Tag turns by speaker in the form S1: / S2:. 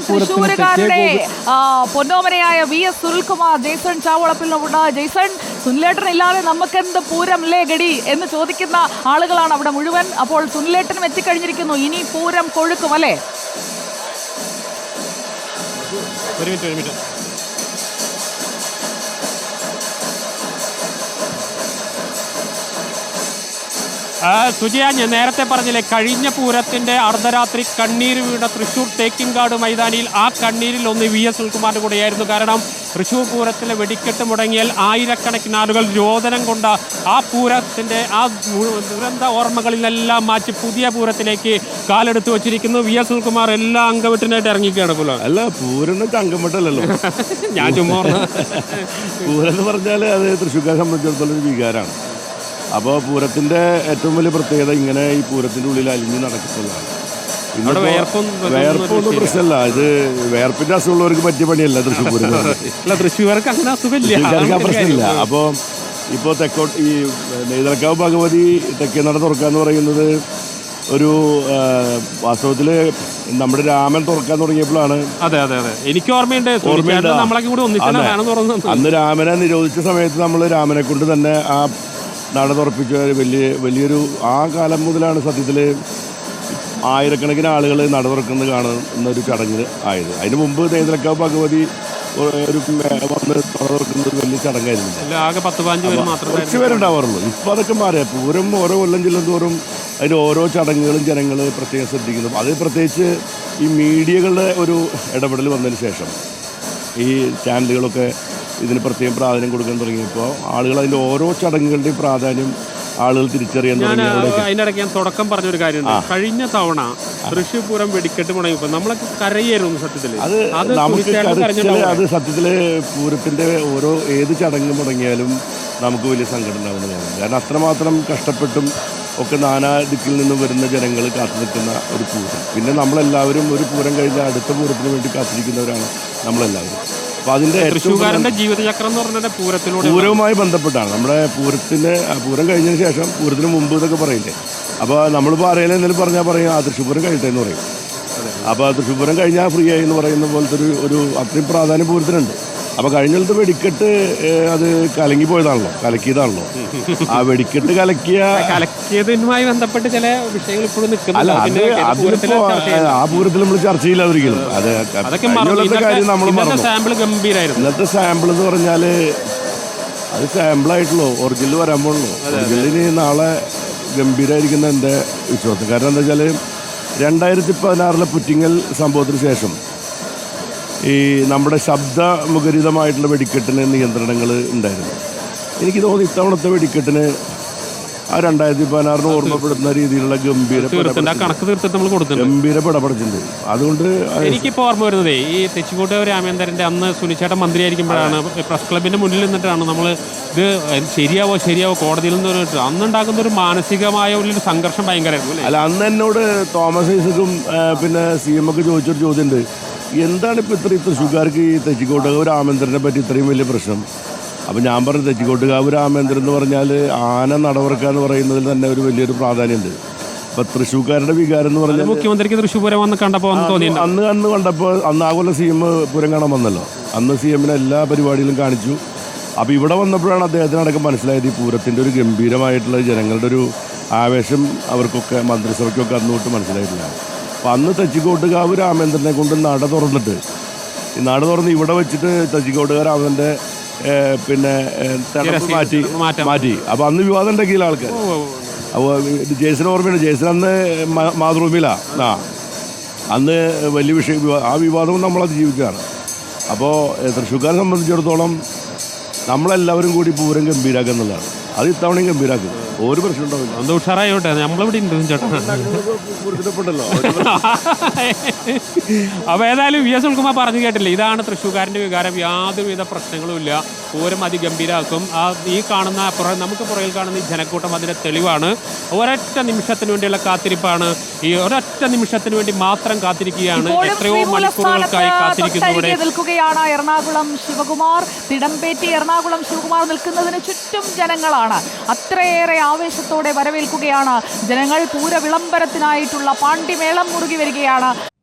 S1: തൃശ്ശൂരുകാരുടെ പൊന്നോമനയായ VS സുനിൽകുമാർ ജെയ്സൺ ചാവളപ്പിലുണ്ട്. ജെയ്സൺ, സുനിലേട്ടൻ ഇല്ലാതെ നമുക്കെന്ത് പൂരം അല്ലേ ഗഡി എന്ന് ചോദിക്കുന്ന ആളുകളാണ് അവിടെ മുഴുവൻ. അപ്പോൾ സുനിലേട്ടനും എത്തിക്കഴിഞ്ഞിരിക്കുന്നു. ഇനി പൂരം കൊഴുക്കും അല്ലേ?
S2: ഒരു മിനിറ്റ് സുജിയ, ഞാൻ നേരത്തെ പറഞ്ഞില്ലേ, കഴിഞ്ഞ പൂരത്തിന്റെ അർദ്ധരാത്രി കണ്ണീര് വീണ തൃശ്ശൂർ തേക്കിൻകാട് മൈതാനിയിൽ ആ കണ്ണീരിൽ ഒന്ന് VS സുനിൽകുമാറിന്റെ കൂടെയായിരുന്നു. കാരണം തൃശ്ശൂർ പൂരത്തിലെ വെടിക്കെട്ട് മുടങ്ങിയാൽ ആയിരക്കണക്കിന് ആളുകൾ രോദനം കൊണ്ട് ആ പൂരത്തിന്റെ ആ ദുരന്ത ഓർമ്മകളിലെല്ലാം മാറ്റി പുതിയ പൂരത്തിലേക്ക് കാലെടുത്ത് വെച്ചിരിക്കുന്നു. VS സുനിൽകുമാർ എല്ലാ അംഗവെട്ടിനായിട്ട് ഇറങ്ങിക്കുകയാണ്. പോലെ
S3: അല്ല, പൂരം അംഗംവെട്ടല്ലോ.
S2: ഞാൻ ചുമ്മാ
S3: പൂരം എന്ന് പറഞ്ഞാൽ അത് തൃശ്ശൂർക്കാരെ സംബന്ധിച്ചിടത്തോളം ഒരു വികാരമാണ്. അപ്പോൾ പൂരത്തിൻ്റെ ഏറ്റവും വലിയ പ്രത്യേകത ഇങ്ങനെ ഈ പൂരത്തിൻ്റെ ഉള്ളിൽ അലിഞ്ഞ് നടക്കുന്നതാണ്. വേർപ്പൊന്നും പ്രശ്നമല്ല, ഇത് വേർപ്പിൻ്റെ അസുഖമുള്ളവർക്ക് പറ്റിയ പണിയല്ല തൃശ്ശൂർ പൂരം.
S2: തൃശ്ശൂർക്ക്
S3: ആ പ്രശ്നമില്ല. അപ്പോൾ ഇപ്പോൾ തെക്കോട്ട് ഈ നെയ്തലക്കാവ് ഭഗവതി തെക്കേ നട തുറക്കാന്ന് പറയുന്നത് ഒരു വാസ്തവത്തിൽ നമ്മുടെ രാമൻ തുറക്കാൻ തുടങ്ങിയപ്പോഴാണ്.
S2: അതെ അതെ അതെ, എനിക്ക് ഓർമ്മയുണ്ട്.
S3: അന്ന് രാമനെ നിരോധിച്ച സമയത്ത് നമ്മൾ രാമനെ കൊണ്ട് തന്നെ ആ നട തുറപ്പിച്ച വലിയൊരു ആ കാലം മുതലാണ് സത്യത്തിൽ ആയിരക്കണക്കിന് ആളുകൾ നട തുറക്കുന്നത് കാണുന്ന ഒരു ചടങ്ങ് ആയത്. അതിന് മുമ്പ് നെയ്തലക്കാവ് ഭഗവതി ഒരു വന്ന് നട തുറക്കുന്നത് വലിയ ചടങ്ങായിരുന്നു. കുറച്ച് പേരുണ്ടാവാറുള്ളൂ. ഇപ്പം അതൊക്കെ മാറിയ പൂരം ഓരോ കൊല്ലം ചെല്ലുന്തോറും അതിൻ്റെ ഓരോ ചടങ്ങുകളും ജനങ്ങൾ പ്രത്യേകം ശ്രദ്ധിക്കുന്നു. അത് പ്രത്യേകിച്ച് ഈ മീഡിയകളുടെ ഒരു ഇടപെടൽ വന്നതിന് ശേഷം ഈ ചാനലുകളൊക്കെ ഇതിന് പ്രത്യേകം പ്രാധാന്യം കൊടുക്കാൻ തുടങ്ങിയപ്പോൾ ആളുകൾ അതിൻ്റെ ഓരോ ചടങ്ങുകളുടെയും പ്രാധാന്യം ആളുകൾ തിരിച്ചറിയാൻ തുടങ്ങി.
S2: അതിനിടയ്ക്ക് ഞാൻ തുടക്കം പറഞ്ഞൊരു കാര്യമുണ്ട്. കഴിഞ്ഞ തവണ തൃശ്ശൂർ പൂരം വെടിക്കെട്ട് മുടങ്ങിയപ്പോൾ നമ്മളൊക്കെ കരയായിരുന്നു സത്യത്തിൽ.
S3: അത് സത്യത്തിൽ പൂരത്തിൻ്റെ ഓരോ ഏത് ചടങ്ങ് മുടങ്ങിയാലും നമുക്ക് വലിയ സങ്കടം ഉണ്ടാവുന്നതാണ്. കാരണം അത്രമാത്രം കഷ്ടപ്പെട്ടും ഒക്കെ നാനാ ദിക്കിൽ നിന്നും വരുന്ന ജനങ്ങൾ കാത്തു നിൽക്കുന്ന ഒരു പൂരം. പിന്നെ നമ്മളെല്ലാവരും ഒരു പൂരം കഴിഞ്ഞ അടുത്ത പൂരത്തിന് വേണ്ടി കാത്തിരിക്കുന്നവരാണ് നമ്മളെല്ലാവരും. അപ്പോൾ അതിൻ്റെ
S2: തൃശ്ശൂർക്കാരൻ്റെ ജീവിതചക്രം എന്ന് പറഞ്ഞാൽ
S3: പൂരവുമായി ബന്ധപ്പെട്ടാണ്. നമ്മുടെ പൂരം കഴിഞ്ഞതിന് ശേഷം പൂരത്തിന് മുമ്പ് എന്നൊക്കെ പറയില്ലേ. അപ്പോൾ നമ്മളിപ്പോൾ ആരെങ്കിലും എന്തെങ്കിലും പറഞ്ഞാൽ പറയും ആ തൃശ്ശൂർ പൂരം കഴിയട്ടെ എന്ന് പറയും. അപ്പോൾ തൃശ്ശൂർ പൂരം കഴിഞ്ഞാൽ ഫ്രീ ആയി എന്ന് പറയുന്ന പോലത്തെ ഒരു അത്രയും പ്രാധാന്യം പൂരത്തിനുണ്ട്. അപ്പോൾ കഴിഞ്ഞ വെടിക്കെട്ട് അത് കലങ്ങിപ്പോയതാണല്ലോ, കലക്കിയതാണല്ലോ. ആ വെടിക്കെട്ട്
S2: കലക്കിയതുമായി ബന്ധപ്പെട്ട് ചില വിഷയങ്ങൾ ഇപ്പോഴും
S3: അല്ല, ആ പൂരത്തിൽ നമ്മൾ ചർച്ച ചെയ്യില്ല ഒരിക്കലും. കാര്യം നമ്മൾ ഇന്നത്തെ സാമ്പിൾ എന്ന് പറഞ്ഞാൽ അത് സാമ്പിളായിട്ടുള്ളൂ, ഒറിജിനൽ വരാൻ പോകണല്ലോ. ഒറിജിനലിന് നാളെ ഗംഭീരമായിരിക്കുന്ന എൻ്റെ വിശ്വാസം. കാരണം എന്താ വെച്ചാൽ 2016 പുറ്റിങ്ങൽ സംഭവത്തിന് ശേഷം ഈ നമ്മുടെ ശബ്ദമുഖരിതമായിട്ടുള്ള വെടിക്കെട്ടിന് നിയന്ത്രണങ്ങൾ ഉണ്ടായിരുന്നു. എനിക്ക് തോന്നുന്നു ഇത്തവണത്തെ വെടിക്കെട്ടിന് ആ 2016 ഓർമ്മപ്പെടുത്തുന്ന രീതിയിലുള്ള ഗംഭീര പടപടച്ചിട്ടുണ്ട്. അതുകൊണ്ട്
S2: എനിക്കിപ്പോൾ ഓർമ്മ വരുന്നത് ഈ തെച്ചിക്കോട്ട് രാമേന്ദ്രൻ്റെ അന്ന് സുനിച്ചേട്ടൻ മന്ത്രിയായിരിക്കുമ്പോഴാണ് പ്രസ് ക്ലബിൻ്റെ മുന്നിൽ നിന്നിട്ടാണ് നമ്മൾ ഇത് ശരിയാവോ കോടതിയിൽ നിന്ന് അന്നുണ്ടാക്കുന്ന ഒരു മാനസികമായ ഒരു സംഘർഷം ഭയങ്കരമായിരുന്നു.
S3: അല്ല, അന്ന് എന്നോട് തോമസ് ഐസക്കും പിന്നെ CM ഒക്കെ ചോദിച്ചൊരു ചോദ്യമുണ്ട്, എന്താണ് ഇപ്പോൾ ഇത്രയും തൃശ്ശൂർക്കാർക്ക് ഈ തെച്ചിക്കോട്ടുകാവ് രാമേന്ദ്രനെ പറ്റി ഇത്രയും വലിയ പ്രശ്നം? അപ്പോൾ ഞാൻ പറഞ്ഞു, തെച്ചിക്കോട്ടുകാവ് രാമേന്ദ്രൻ എന്ന് പറഞ്ഞാൽ ആന നടവർക്കുക എന്ന് പറയുന്നതിൽ തന്നെ ഒരു വലിയൊരു പ്രാധാന്യമുണ്ട്. അപ്പോൾ തൃശ്ശൂർക്കാരുടെ വികാരം എന്ന് പറഞ്ഞാൽ
S2: മുഖ്യമന്ത്രിക്ക് തൃശ്ശൂർ പൂരം വന്ന് കണ്ടപ്പോൾ
S3: അന്ന് കണ്ടപ്പോൾ ആ കൊല്ലം CM പൂരം കാണാൻ വന്നല്ലോ. അന്ന് CM എല്ലാ പരിപാടികളും കാണിച്ചു. അപ്പോൾ ഇവിടെ വന്നപ്പോഴാണ് അദ്ദേഹത്തിനടക്കം മനസ്സിലായത് ഈ പൂരത്തിൻ്റെ ഒരു ഗംഭീരമായിട്ടുള്ള ജനങ്ങളുടെ ഒരു ആവേശം അവർക്കൊക്കെ മന്ത്രിസഭയ്ക്കൊക്കെ അന്ന് തൊട്ട് മനസ്സിലായിട്ടില്ല. അപ്പം അന്ന് തെച്ചിക്കോട്ടുകാവ് രാമേന്ദ്രനെ കൊണ്ട് നട തുറന്നിട്ട് ഈ നട തുറന്ന് ഇവിടെ വെച്ചിട്ട് തെച്ചിക്കോട്ടുകാവ് രാമേന്ദ്രൻ്റെ പിന്നെ മാറ്റി. അപ്പോൾ അന്ന് വിവാദം ഉണ്ടാക്കിയില്ല ആൾക്കാർ. അപ്പോൾ ജെയ്സൺ ഓർമ്മയുണ്ട്, ജെയ്സൺ അന്ന് മാതൃഭൂമിയിലാണ്. അന്ന് വലിയ വിഷയം, ആ വിവാദവും നമ്മളത് ജീവിക്കുകയാണ്. അപ്പോൾ തൃശ്ശൂർക്കാരെ സംബന്ധിച്ചിടത്തോളം നമ്മളെല്ലാവരും കൂടി പൂരം ഗംഭീരാക്കുക എന്നുള്ളതാണ്. അത് ഇത്തവണയും ഗംഭീരാക്കും, ഒരു പ്രശ്നം ഉണ്ടാവില്ല.
S2: ഉഷാറായോട്ടെ, നമ്മളിവിടെ ഉണ്ട് ചേട്ടാ. അപ്പോൾ ഏതായാലും VS സുനിൽകുമാർ പറഞ്ഞു കേട്ടില്ല, ഇതാണ് തൃശ്ശൂർക്കാരൻ്റെ വികാരം. യാതൊരുവിധ പ്രശ്നങ്ങളുമില്ല, പൂരം അതിഗംഭീരാക്കും. ഈ കാണുന്ന നമുക്ക് പുറകിൽ കാണുന്ന ഈ ജനക്കൂട്ടം അതിൻ്റെ തെളിവാണ്. ഒരൊറ്റ നിമിഷത്തിന് വേണ്ടിയുള്ള കാത്തിരിപ്പാണ്. ഈ ഒരൊറ്റ നിമിഷത്തിന് വേണ്ടി മാത്രം കാത്തിരിക്കുകയാണ്. എത്രയോ മണിക്കൂറുകൾക്കായി കാത്തിരിക്കുന്നവിടെ
S1: നിൽക്കുകയാണ് എറണാകുളം ശിവകുമാർ. തിടമ്പേറ്റി എറണാകുളം ശിവകുമാർ നിൽക്കുന്നതിന് ചുറ്റും ജനങ്ങളാണ്. അത്രയേറെ ആവേശത്തോടെ വരവേൽക്കുകയാണ് ജനങ്ങൾ. പൂര വിളംബരത്തിനായിട്ടുള്ള പാണ്ടിമേളം മുറുകി വരികയാണ്.